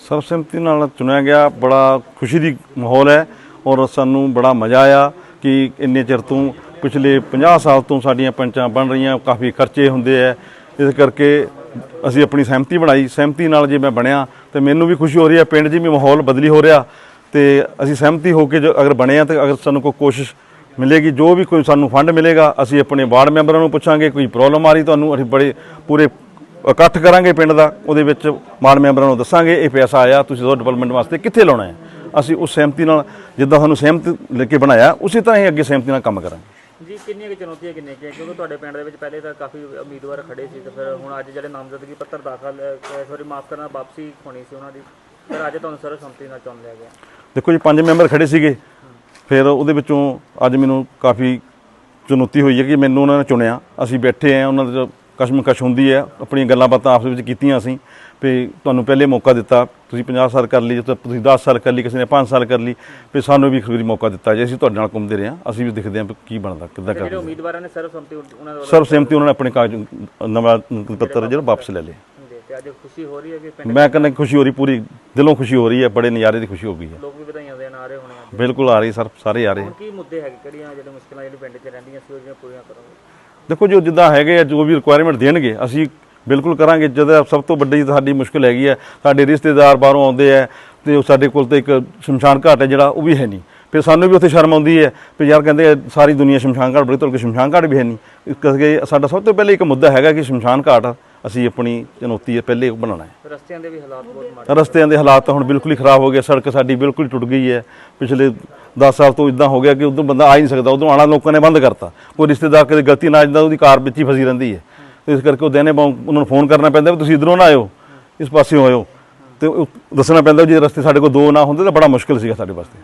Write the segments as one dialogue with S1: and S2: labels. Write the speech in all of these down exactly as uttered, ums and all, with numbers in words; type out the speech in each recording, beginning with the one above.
S1: ਸਰਬਸੰਮਤੀ ਨਾਲ ਚੁਣਿਆ ਗਿਆ। ਬੜਾ ਖੁਸ਼ੀ ਦੀ ਮਾਹੌਲ ਹੈ ਔਰ ਸਾਨੂੰ ਬੜਾ ਮਜ਼ਾ ਆਇਆ ਕਿ ਇੰਨੇ ਚਿਰ ਤੋਂ ਪਿਛਲੇ ਪੰਜਾਹ ਸਾਲ ਤੋਂ ਸਾਡੀਆਂ ਪੰਚਾਂ ਬਣ ਰਹੀਆਂ, ਕਾਫੀ ਖਰਚੇ ਹੁੰਦੇ ਹੈ, ਇਸ ਕਰਕੇ ਅਸੀਂ ਆਪਣੀ ਸਹਿਮਤੀ ਬਣਾਈ। ਸਹਿਮਤੀ ਨਾਲ ਜੇ ਮੈਂ ਬਣਿਆ ਤੇ ਮੈਨੂੰ ਵੀ ਖੁਸ਼ੀ ਹੋ ਰਹੀ ਹੈ, ਪਿੰਡ 'ਚ ਵੀ ਮਾਹੌਲ ਬਦਲੀ ਹੋ ਰਿਹਾ ਤੇ ਅਸੀਂ ਸਹਿਮਤੀ ਹੋ ਕੇ ਜੋ ਅਗਰ ਬਣੇ ਆ ਤੇ ਅਗਰ ਸਾਨੂੰ ਕੋਈ ਕੋਸ਼ਿਸ਼ ਮਿਲੇਗੀ, ਜੋ ਵੀ ਕੋਈ ਸਾਨੂੰ ਫੰਡ ਮਿਲੇਗਾ ਅਸੀਂ ਆਪਣੇ ਵਾਰਡ ਮੈਂਬਰਾਂ ਨੂੰ ਪੁੱਛਾਂਗੇ। ਕੋਈ ਪ੍ਰੋਬਲਮ ਆ ਰਹੀ ਤੁਹਾਨੂੰ, ਅਸੀਂ ਬੜੇ ਪੂਰੇ ਇਕੱਠ ਕਰਾਂਗੇ ਪਿੰਡ ਦਾ, ਉਹਦੇ ਵਿੱਚ ਵਾਰਡ ਮੈਂਬਰਾਂ ਨੂੰ ਦੱਸਾਂਗੇ ਇਹ ਪੈਸਾ ਆਇਆ, ਤੁਸੀਂ ਉਹ ਡਿਵੈਲਪਮੈਂਟ ਵਾਸਤੇ ਕਿੱਥੇ ਲਾਉਣਾ ਹੈ। ਅਸੀਂ ਉਸ ਸਹਿਮਤੀ ਨਾਲ ਜਿੱਦਾਂ ਸਾਨੂੰ ਸਹਿਮਤ ਲੈ ਕੇ ਬਣਾਇਆ ਉਸੇ ਤਰ੍ਹਾਂ ਹੀ ਅੱਗੇ ਸਹਿਮਤੀ ਨਾਲ ਕੰਮ ਕਰਾਂਗੇ।
S2: ਜੀ ਕਿੰਨੀਆਂ ਕਿ ਚੁਣੌਤੀਆਂ ਕਿੰਨੀਆਂ ਕਿ ਕਿਉਂਕਿ ਤੁਹਾਡੇ ਪਿੰਡ ਦੇ ਵਿੱਚ ਪਹਿਲੇ ਤਾਂ ਕਾਫੀ ਉਮੀਦਵਾਰ ਖੜੇ ਸੀ ਤੇ ਫਿਰ ਹੁਣ ਅੱਜ ਜਿਹੜੇ ਨਾਮਜ਼ਦਗੀ ਪੱਤਰ ਦਾਖਲ ਸੋਰੀ ਮਾਫ ਕਰਨਾ ਵਾਪਸੀ ਹੋਣੀ ਸੀ ਉਹਨਾਂ ਦੀ, ਫਿਰ ਅੱਜ ਤੁਹਾਨੂੰ ਸਰਬਸੰਮਤੀ ਨਾਲ ਚੁਣ ਲਿਆ ਗਿਆ।
S1: ਦੇਖੋ ਜੀ, ਪੰਜ ਮੈਂਬਰ ਖੜੇ ਸੀਗੇ, ਫਿਰ ਉਹਦੇ ਵਿੱਚੋਂ ਅੱਜ ਮੈਨੂੰ ਕਾਫੀ ਚੁਣੌਤੀ ਹੋਈ ਹੈ ਕਿ ਮੈਨੂੰ ਉਹਨਾਂ ਨੇ ਚੁਣਿਆ। ਅਸੀਂ ਬੈਠੇ ਹਾਂ, ਉਹਨਾਂ ਦੇ ਕਸ਼ਮਕਸ਼ ਹੁੰਦੀ ਹੈ, ਆਪਣੀਆਂ ਗੱਲਾਂ ਬਾਤਾਂ ਆਪਸ ਵਿੱਚ ਕੀਤੀਆਂ ਅਸੀਂ ਵੀ ਤੁਹਾਨੂੰ ਪਹਿਲੇ ਮੌਕਾ ਦਿੱਤਾ, ਤੁਸੀਂ ਪੰਜਾਹ ਸਾਲ ਕਰ ਲਈ, ਤੁਸੀਂ ਦਸ ਸਾਲ ਕਰ ਲਈ, ਕਿਸੇ ਨੇ ਪੰਜ ਸਾਲ ਕਰ ਲਈ, ਵੀ ਸਾਨੂੰ ਵੀ ਇੱਕ ਵਾਰੀ ਮੌਕਾ ਦਿੱਤਾ ਜੇ ਅਸੀਂ ਤੁਹਾਡੇ ਨਾਲ ਘੁੰਮਦੇ ਰਹੇ ਹਾਂ, ਅਸੀਂ ਵੀ ਦੇਖਦੇ ਹਾਂ ਵੀ ਕੀ ਬਣਦਾ ਕਿੱਦਾਂ ਕਰਦੇ।
S2: ਜਿਹੜੇ ਉਮੀਦਵਾਰਾਂ ਨੇ ਸਰਬਸੰਮਤੀ ਉਹਨਾਂ ਦਾ
S1: ਸਰਬਸੰਮਤੀ ਉਹਨਾਂ ਨੇ ਆਪਣੇ ਕਾਗਜ਼ ਨਵਾਂ ਪੱਤਰ ਜਿਹੜਾ ਵਾਪਸ ਲੈ ਲਏ
S2: ਤੇ ਅੱਜ ਖੁਸ਼ੀ ਹੋ ਰਹੀ ਹੈ ਕਿ ਪਿੰਡ
S1: ਮੈਂ ਕਹਿੰਦਾ ਖੁਸ਼ੀ ਹੋ ਰਹੀ, ਪੂਰੀ ਦਿਲੋਂ ਖੁਸ਼ੀ ਹੋ ਰਹੀ ਹੈ, ਬੜੇ ਨਜ਼ਾਰੇ ਦੀ ਖੁਸ਼ੀ ਹੋ ਗਈ ਹੈ।
S2: ਲੋਕ ਵੀ ਵਧਾਈਆਂ ਦੇਣ ਆ ਰਹੇ ਹੋਣੇ ਅੱਜ।
S1: ਬਿਲਕੁਲ ਆ ਰਹੀ ਸਰ, ਸਾਰੇ ਆ ਰਹੇ।
S2: ਹੁਣ ਕੀ ਮੁੱਦੇ ਹੈਗੇ, ਕਿਹੜੀਆਂ ਜਿਹੜੇ ਮੁਸ਼ਕਲਾਂ ਜਿਹੜੇ ਪਿੰਡ 'ਚ ਰਹਿੰਦੀਆਂ ਸੀ ਉਹ ਜਿਹੜੀਆਂ ਪੂਰੀਆਂ ਕਰੋਗੇ?
S1: ਦੇਖੋ ਜੋ ਜਿੱਦਾਂ ਹੈਗੇ ਆ, ਜੋ ਵੀ ਰਿਕੁਆਇਰਮੈਂਟ ਦੇਣਗੇ ਅਸੀਂ ਬਿਲਕੁਲ ਕਰਾਂਗੇ। ਜਦੋਂ ਸਭ ਤੋਂ ਵੱਡੀ ਸਾਡੀ ਮੁਸ਼ਕਿਲ ਹੈਗੀ ਹੈ, ਸਾਡੇ ਰਿਸ਼ਤੇਦਾਰ ਬਾਹਰੋਂ ਆਉਂਦੇ ਹੈ ਤੇ ਉਹ ਸਾਡੇ ਕੋਲ ਤਾਂ ਇੱਕ ਸ਼ਮਸ਼ਾਨ ਘਾਟ ਹੈ ਜਿਹੜਾ ਉਹ ਵੀ ਹੈ ਨਹੀਂ, ਫਿਰ ਸਾਨੂੰ ਵੀ ਉੱਥੇ ਸ਼ਰਮ ਆਉਂਦੀ ਹੈ ਵੀ ਯਾਰ ਕਹਿੰਦੇ ਸਾਰੀ ਦੁਨੀਆ ਸ਼ਮਸ਼ਾਨ ਘਾਟ ਬੜੀ, ਤੁਹਾਡੇ ਕੋਲ ਸ਼ਮਸ਼ਾਨ ਘਾਟ ਵੀ ਹੈ ਨਹੀਂ। ਇਸ ਕਰਕੇ ਸਾਡਾ ਸਭ ਤੋਂ ਪਹਿਲੇ ਇੱਕ ਮੁੱਦਾ ਹੈਗਾ ਕਿ ਸ਼ਮਸ਼ਾਨ ਘਾਟ ਅਸੀਂ ਆਪਣੀ ਚੁਣੌਤੀ ਹੈ ਪਹਿਲੇ ਬਣਾਉਣਾ ਹੈ।
S2: ਰਸਤਿਆਂ ਦੇ ਵੀ ਹਾਲਾਤ ਬਹੁਤ ਮਾੜੇ,
S1: ਰਸਤਿਆਂ ਦੇ ਹਾਲਾਤ ਤਾਂ ਹੁਣ ਬਿਲਕੁਲ ਹੀ ਖਰਾਬ ਹੋ ਗਏ, ਸੜਕ ਸਾਡੀ ਬਿਲਕੁਲ ਟੁੱਟ ਗਈ ਹੈ। ਪਿਛਲੇ ਦਸ ਸਾਲ ਤੋਂ ਇੱਦਾਂ ਹੋ ਗਿਆ ਕਿ ਉਦੋਂ ਬੰਦਾ ਆ ਹੀ ਨਹੀਂ ਸਕਦਾ, ਉਦੋਂ ਆਉਣਾ ਲੋਕਾਂ ਨੇ ਬੰਦ ਕਰਤਾ। ਕੋਈ ਰਿਸ਼ਤੇਦਾਰ ਕਦੇ ਗਲਤੀ ਨਾਲ ਜਾਂਦਾ ਉਹਦੀ ਕਾਰ ਵਿੱਚ ਹੀ ਫਸੀ ਰਹਿੰਦੀ ਹੈ, ਤੇ ਇਸ ਕਰਕੇ ਉਹ ਦਿਨੇ ਉਹਨਾਂ ਨੂੰ ਫੋਨ ਕਰਨਾ ਪੈਂਦਾ ਵੀ ਤੁਸੀਂ ਇੱਧਰੋਂ ਨਾ ਆਇਓ, ਇਸ ਪਾਸਿਓਂ ਆਇਓ, ਤੇ ਉਹ ਦੱਸਣਾ ਪੈਂਦਾ ਜੇ ਰਸਤੇ ਸਾਡੇ ਕੋਲ ਦੋ ਨਾ ਹੁੰਦੇ ਤਾਂ ਬੜਾ ਮੁਸ਼ਕਿਲ ਸੀਗਾ ਸਾਡੇ ਵਾਸਤੇ।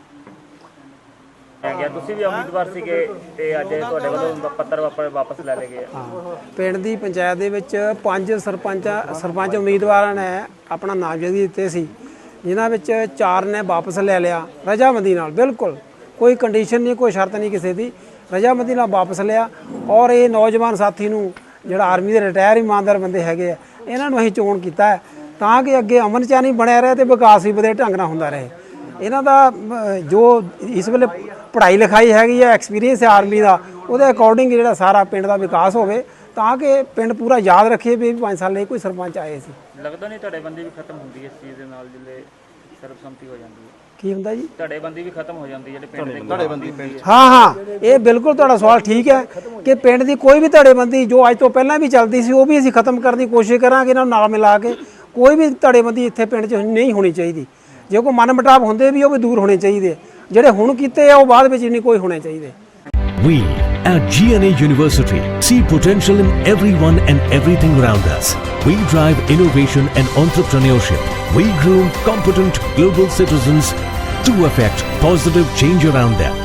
S2: ਗਿਆ ਤੁਸੀਂ ਵੀ ਉਮੀਦਵਾਰ ਸੀਗੇ ਤੇ ਅੱਜ ਤੁਹਾਡੇ ਵੱਲੋਂ ਪੱਤਰ ਵਾਪਸ ਲੈ ਲਏ ਗਏ।
S3: ਪਿੰਡ ਦੀ ਪੰਚਾਇਤ ਦੇ ਵਿੱਚ ਪੰਜ ਸਰਪੰਚ ਸਰਪੰਚ ਉਮੀਦਵਾਰਾਂ ਨੇ ਆਪਣਾ ਨਾਮਜ਼ਦਗੀ ਦਿੱਤੇ ਸੀ, ਜਿਨ੍ਹਾਂ ਵਿੱਚ ਚਾਰ ਨੇ ਵਾਪਸ ਲੈ ਲਿਆ ਰਜਾਮੰਦੀ ਨਾਲ, ਬਿਲਕੁਲ ਕੋਈ ਕੰਡੀਸ਼ਨ ਨਹੀਂ, ਕੋਈ ਸ਼ਰਤ ਨਹੀਂ ਕਿਸੇ ਦੀ, ਰਜਾਮੰਦੀ ਨਾਲ ਵਾਪਸ ਲਿਆ। ਔਰ ਇਹ ਨੌਜਵਾਨ ਸਾਥੀ ਨੂੰ ਜਿਹੜਾ ਆਰਮੀ ਦੇ ਰਿਟਾਇਰ ਇਮਾਨਦਾਰ ਬੰਦੇ ਹੈਗੇ ਆ, ਇਹਨਾਂ ਨੂੰ ਅਸੀਂ ਚੋਣ ਕੀਤਾ ਹੈ ਤਾਂ ਕਿ ਅੱਗੇ ਅਮਨ ਚਾਨੀ ਬਣਿਆ ਰਹੇ ਤੇ ਵਿਕਾਸ ਵੀ ਵਧੇਰੇ ਢੰਗ ਨਾਲ ਹੁੰਦਾ ਰਹੇ। ਇਹਨਾਂ ਦਾ ਜੋ ਇਸ ਵੇਲੇ ਪੜ੍ਹਾਈ ਲਿਖਾਈ ਹੈਗੀ ਹੈ, ਐਕਸਪੀਰੀਅੰਸ ਹੈ ਆਰਮੀ ਦਾ, ਉਹਦੇ ਅਕੋਰਡਿੰਗ ਜਿਹੜਾ ਸਾਰਾ ਪਿੰਡ ਦਾ ਵਿਕਾਸ ਹੋਵੇ ਤਾਂ ਕਿ ਪਿੰਡ ਪੂਰਾ ਯਾਦ ਰੱਖੇ ਵੀ ਪੰਜ ਸਾਲ ਲਈ ਕੋਈ ਸਰਪੰਚ ਆਏ ਸੀ।
S2: ਲੱਗਦਾ ਨਹੀਂ ਧੜੇਬੰਦੀ ਵੀ ਖਤਮ ਹੁੰਦੀ ਹੈ ਇਸ ਚੀਜ਼ ਦੇ ਨਾਲ, ਜਿੱਲੇ ਸਰਬਸੰਮਤੀ ਹੋ ਜਾਂਦੀ ਹੈ?
S3: ਕੀ ਹੁੰਦਾ ਜੀ?
S2: ਧੜੇਬੰਦੀ ਵੀ ਖਤਮ ਹੋ ਜਾਂਦੀ ਹੈ ਜਿਹੜੇ ਪਿੰਡ ਦੇ ਧੜੇਬੰਦੀ?
S3: ਹਾਂ ਹਾਂ, ਇਹ ਬਿਲਕੁਲ ਤੁਹਾਡਾ ਸਵਾਲ ਠੀਕ ਹੈ ਕਿ ਪਿੰਡ ਦੀ ਕੋਈ ਵੀ ਧੜੇਬੰਦੀ ਜੋ ਅੱਜ ਤੋਂ ਪਹਿਲਾਂ ਵੀ ਚੱਲਦੀ ਸੀ ਉਹ ਵੀ ਅਸੀਂ ਖਤਮ ਕਰਨ ਦੀ ਕੋਸ਼ਿਸ਼ ਕਰਾਂਗੇ। ਇਹਨਾਂ ਨੂੰ ਨਾਲ ਮਿਲਾ ਕੇ ਕੋਈ ਵੀ ਧੜੇਬੰਦੀ ਇੱਥੇ ਪਿੰਡ 'ਚ ਨਹੀਂ ਹੋਣੀ ਚਾਹੀਦੀ। ਜੇ ਕੋਈ ਮਨ ਮੁਟਾਵ ਹੁੰਦੇ ਵੀ ਉਹ ਵੀ ਦੂਰ ਹੋਣੇ ਚਾਹੀਦੇ, ਜਿਹੜੇ ਹੁਣ ਕੀਤੇ ਆ ਉਹ ਬਾਅਦ ਵਿੱਚ ਨਹੀਂ ਕੋਈ ਹੋਣੇ ਚਾਹੀਦੇ।
S4: We at G N A University see potential in everyone and everything around us. We drive innovation and entrepreneurship. We groom competent global citizens to affect positive change around them.